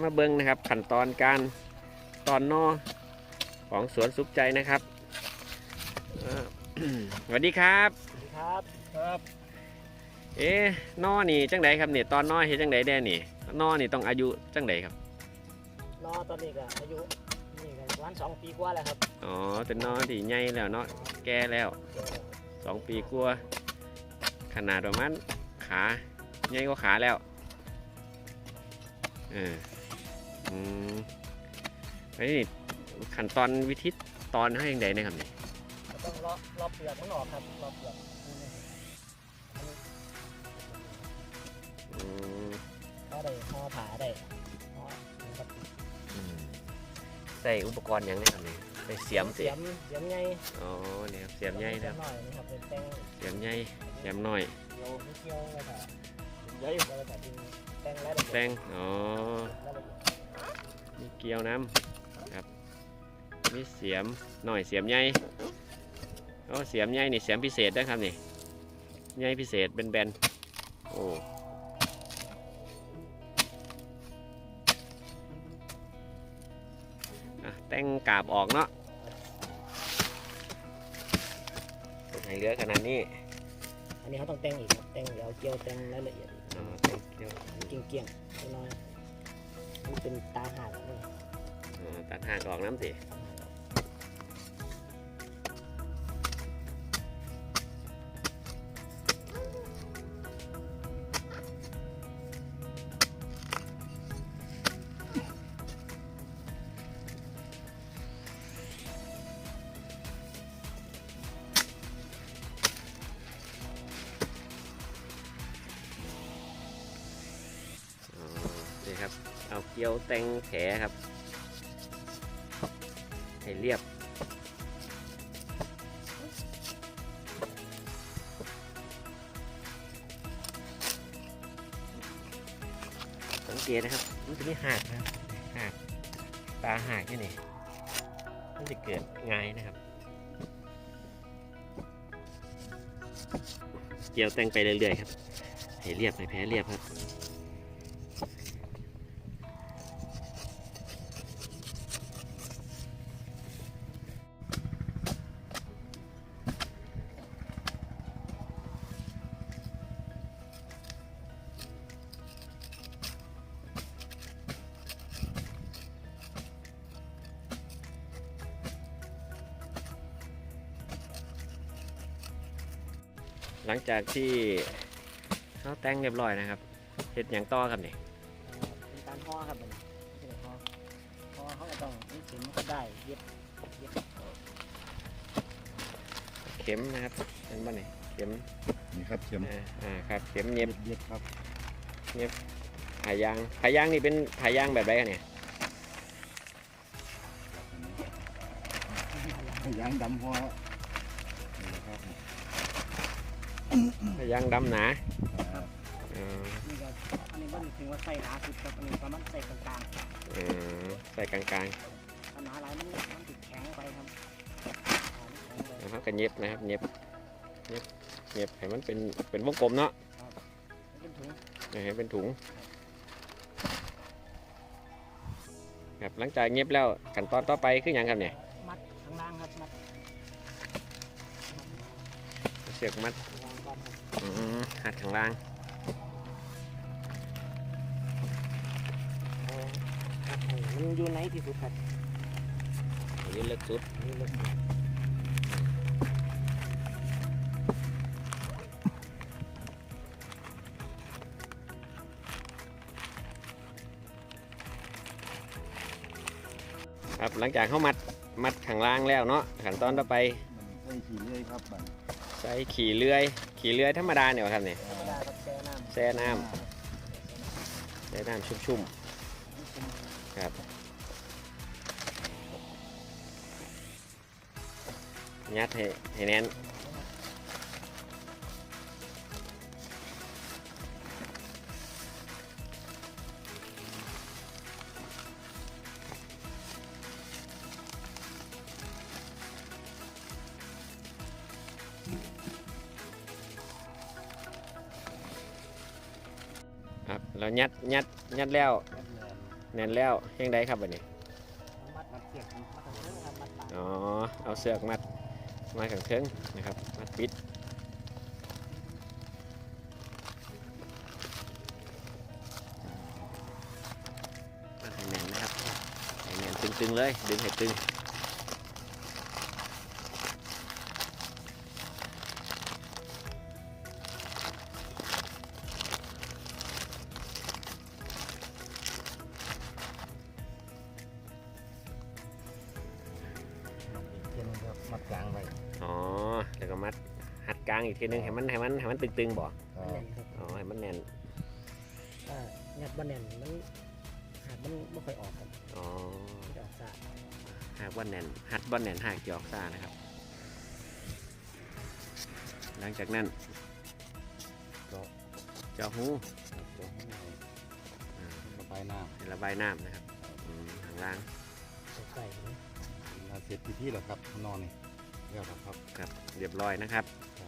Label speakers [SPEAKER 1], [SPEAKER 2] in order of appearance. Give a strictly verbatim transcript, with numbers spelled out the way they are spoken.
[SPEAKER 1] มาเบิ้งนะครับขั้นตอนการตอนนอของสวนสุขใจนะครับสวัสดีครับ
[SPEAKER 2] ครับครับ
[SPEAKER 1] เอ๊ะนอนี่จังไดครับเนี่ยตอนนอเฮ็ดจังไดแด่นี่นอนี่ต้องอายุจังไดครับ
[SPEAKER 2] นอตอนนี้ก็อายุนี่ก็ประมาณสองปีกว่าแล้วครับ
[SPEAKER 1] อ๋อเป็นนอที่ใหญ่แล้วเนาะแก่แล้วสองปีกว่าขนาดประมาณขาใหญ่กว่าขาแล้วเอออืมไอ้นี่ขั้นตอนวิธีตอนให้ยังไงนะครับนี่
[SPEAKER 2] ต้องเลาะเลาะเปลือกมันออกครับเลาะเปลือก
[SPEAKER 1] อืม
[SPEAKER 2] ก็ได้ห่อผาได้ห่อครับ
[SPEAKER 1] ใส่อุปกรณ์ยังไงครับนี่ใส่เสียมสิ
[SPEAKER 2] เสียมเสียมใหญ่
[SPEAKER 1] อ๋อเนี่ยเสียมใหญ่นะครับ
[SPEAKER 2] หน่อยนะครับเป็นแป้ง
[SPEAKER 1] เสียมใหญ่เสียมน้อย
[SPEAKER 2] เกี่ยวไม่เกี่ยวเลยค่ะใหญ่แล้วก็เป็นแป้งแล้ว
[SPEAKER 1] แป้งอ๋อมีเกลียวน้ำครับมีเสียมหน่อยเสียมใหญ่อ๋อเสียมใหญ่นี่เสียมพิเศษนะครับนี่ใหญ่พิเศษเป็นแบนโอ้แต่งกาบออกเนาะให้เหลือขนาดนี้
[SPEAKER 2] อันนี้เขาต้องแต่งอีกครับแต่งเดี๋ยวเกี่ยวแต่งรายละเอียด
[SPEAKER 1] อ๋อแต่งเกลียว
[SPEAKER 2] เกี่ยงเกี่ยงน้อยมันเป็นตาห่างนี่
[SPEAKER 1] ตัดห่างออกน้ำสิครับเอาเกลียวแต่งแผลครับให้เรียบสังเกตนะครับมันจะมีหักนะครับหักตาหักที่นี่มันจะเกิดง่ายนะครับเกลียวแต่งไปเรื่อยๆครับให้เรียบให้แผลเรียบครับหลังจากที่เขาแต่งเรียบร้อยนะครับเห็ดอย่างต่อครับนี่
[SPEAKER 2] เป็นการห่อครับมันเป็นห่อห่อเขาก็ต้องมีเข็มก็ได้เย็บเย็บ
[SPEAKER 1] เข็มนะครับเป็นบ้านนี่เข็ม
[SPEAKER 3] นี่ครับเข็ม
[SPEAKER 1] อ่าครับเข็มเย็บ
[SPEAKER 3] เย็บครับ
[SPEAKER 1] เย็บผายางผายางนี่เป็นผายางแบบไรกันเนี่ย
[SPEAKER 3] ยางดำหัว
[SPEAKER 1] ผายางดำหนา
[SPEAKER 2] นี่ก็อันนี้มันถึงว่าใส่หนาสุดครับอันนี้ประมาณใส่กลาง
[SPEAKER 1] ๆอืมใส่กลาง
[SPEAKER 2] ๆปัญหาอะไรมันมันติดแข็งไปครับ
[SPEAKER 1] แล้วก็เย็บนะครับเย็บเย็บเย็บให้มันเป็นเป็นวงกลมเนาะ
[SPEAKER 2] เป็นถุง
[SPEAKER 1] ให้เป็นถุงครับหลังจากเย็บแล้วขั้นตอนต่อไปคืออย่างครับเนี่ย
[SPEAKER 2] มัดข้างล่างครับมัด
[SPEAKER 1] เสือกมัดหัดข้างล่าง
[SPEAKER 2] มันอยู่ไหนที่สุดครับ
[SPEAKER 1] ยืนเล็กสุดครับหลังจากเขามัดมัดข้างล่างแล้วเนาะขั้นตอนต่อไป
[SPEAKER 3] ใส่ขี่เลื่อยครับ
[SPEAKER 1] ใส่ขี่เลื่อยขี่เลื่อยธรรมดาเนี่ยครับเนี่ยแช่น้ำแช่น้ำชุ่มๆครับยัดให้ให้แน่นครับแล้วยัดยัดยัดแล้วแน่นแล้วยังไงครับบัดนี้
[SPEAKER 2] มัดมัดเสียบมัดตรงนี้ครับมัดปาก
[SPEAKER 1] อ๋อเอาเสือกมัดมาขังเทิงนะครับมัดปิดมัดให้แน่นนะครับให้แน่นตึงๆเลยดึงให้ตึง
[SPEAKER 3] เทียนครับมัดกลางไว้
[SPEAKER 1] อ๋อแล้วก็มัดหัดกลางอีกทีนึงให้มันให้มันให้มันตึงๆบ่
[SPEAKER 3] ครับ
[SPEAKER 2] แน่นครับ
[SPEAKER 1] อ๋อให้มันแน่น
[SPEAKER 2] ถ้างัดบ่แน่นมันหากมันไม่ค่อยออกครับ
[SPEAKER 1] อ๋อ
[SPEAKER 2] มันจะออกซ่า
[SPEAKER 1] หากว่าแน่นหัดบ่แน่นหากจะออกซ่านะครับ หลังจากนั้นก็เจาะหู
[SPEAKER 3] ตัวให้หน่อย
[SPEAKER 1] อ่า
[SPEAKER 3] ระบายน้
[SPEAKER 1] ให้ระบายน้ำนะครับอืมข้างล่าง
[SPEAKER 2] ใส่นะ
[SPEAKER 3] ำนาเสร็จพิธีแล้วครับนอนนี่เรียบร้อยครับ
[SPEAKER 1] ครับเรียบร้อยนะครับ
[SPEAKER 3] ครับ